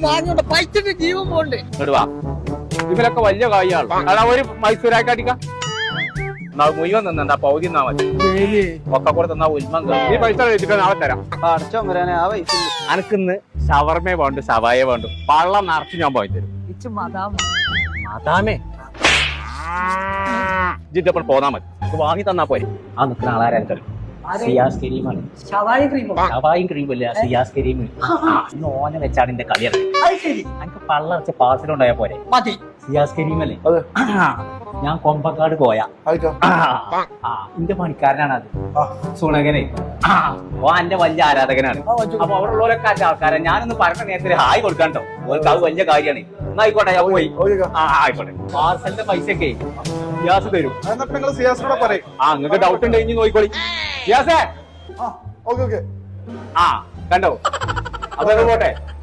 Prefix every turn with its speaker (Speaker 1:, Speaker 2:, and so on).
Speaker 1: വാങ്ങിയോണ്ട് പൈസന്റെ ജീവൻ pond.
Speaker 2: ഇടുവാ ഇതിലൊക്കെ വലിയ കായാണ് ഒരു മൈസൂരായിട്ടടിക്കാം മുഴുവൻ നിന്നാ പൗതി തന്നാ മതി. ഒക്കെ കൂടെ തന്നാ ഉൽമം ഈ പൈസ വെച്ചിട്ട് നാളെ തരാം. അനക്കിന്ന് ഷവർമേ വേണ്ടു സവായ വേണ്ടു പള്ളം നിറച്ച് ഞാൻ പോയി തരും. മതാമേ ജിദ്ദപ്പോൾ പോന്നാ മതി വാങ്ങി തന്നാ പോരെ. ആ നിൽക്കുന്ന ആളാരും തരും. സിയാസ് കരീമാണ്. ഷവായും ക്രീമല്ല സിയാസ് കരീം. ഇന്ന് ഓനെ വെച്ചാണ് എന്റെ കളിയാണ്. എനിക്ക് പള്ളം വെച്ച പാർസലുണ്ടായാ പോരെ. സിയാസ് കരീമല്ലേ? ഞാൻ കൊമ്പക്കാട് പോയാ എന്റെ പണിക്കാരനാണ് അത്. സുണകനെ ഓ എന്റെ വലിയ ആരാധകനാണ്. അപ്പൊ അവിടെ ഉള്ളവരൊക്കെ എന്റെ ആൾക്കാരാണ്. ഞാനൊന്ന് പറഞ്ഞ നേരത്തിൽ ഹായ് കൊടുക്കാണ്ടോ ഓർക്ക് അത് വലിയ കാര്യമാണ്. എന്നാ ആയിക്കോട്ടെ ഞാൻ പോയി. ആയിക്കോട്ടെ പാർസലിന്റെ പൈസയൊക്കെ സിയാസ് തരും. നിങ്ങൾക്ക് ഡൗട്ട് ഉണ്ട് ഇനി നോക്കിക്കോളി. സിയാസേ കണ്ടോ അതൊക്കെ പോട്ടെ.